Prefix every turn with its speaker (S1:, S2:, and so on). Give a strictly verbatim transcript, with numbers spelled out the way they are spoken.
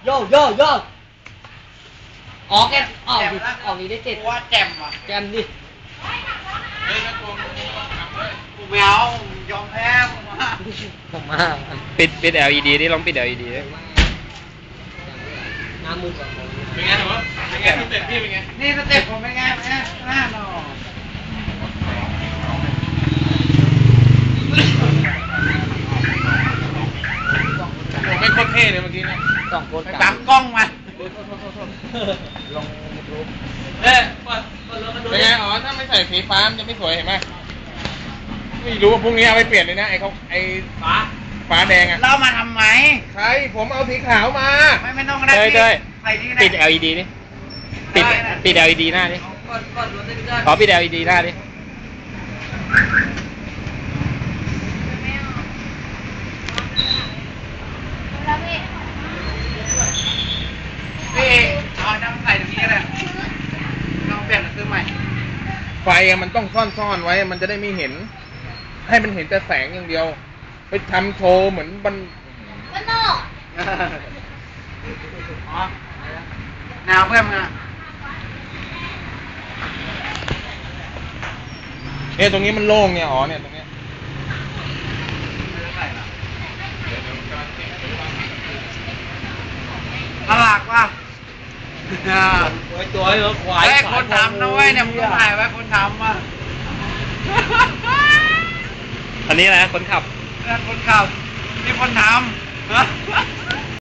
S1: โยโยโยออกแกออกดิออกนี้ได้เจ็ด
S2: ว่าแจ่มอ่ะ
S1: แจมดิ
S2: เฮ้ยนะตัวกูไม่เอายอมแพ้ผมมา
S1: ผมมา
S3: ปิดปิด แอล อี ดี นี่ลองปิด แอล อี ดี ดิ
S1: น้ำมือก่อน
S2: เป็นไงหนูเป็นไงสเต็ปพี่เป็นไงนี่สเต็ปผมเป็นไงเป็นไงหน้าหนอผมไม่โคตรเท่เลยเมื่อกี้เนี่ย
S1: สองคน
S2: ตามกล้องมา
S1: ลงรูป
S2: เอ๊ะเป็นไงอ๋อถ้าไม่ใส่สีฟ้ามันจะไม่สวยเห็นไหมไม่รู้ว่าพรุ่งนี้เอาไปเปลี่ยนเลยนะไอ้เขาไอ้ฟ้าฟ้าแดงอ่ะเรามาทำไมใครผมเอาสีขาวมาไม่ไม่ต้องได้
S3: ได้
S2: ใส่ที่ไหน
S3: ปิด แอล อี ดี ดิปิดปิด แอล อี ดี หน้าดิขอปิด แอล อี ดี หน้าดิ
S2: พี่เอาน้ำใส่ตรงนี้เลยลองเปลี่ยนซื้อใหม่ไฟมันต้องซ่อนๆไว้มันจะได้ไม่เห็นให้มันเห็นแต่แสงอย่างเดียวไปทำโชว์เหมือนบันบันนอกอ๋อแนวเพื่อนมึงอะเนี่ยตรงนี้มันโล่งเนี่ยอ๋อเนี่ยตรงเนี้ยตลาดว่ะ
S1: ตัวเหรอควาย
S2: ไอ้คนทำนะเว้ยเนี่ยมึงต้องถ่ายไว้คนทำอ่ะ
S3: อันนี้อะไรคนขับ
S2: คนขับนี่คนทำ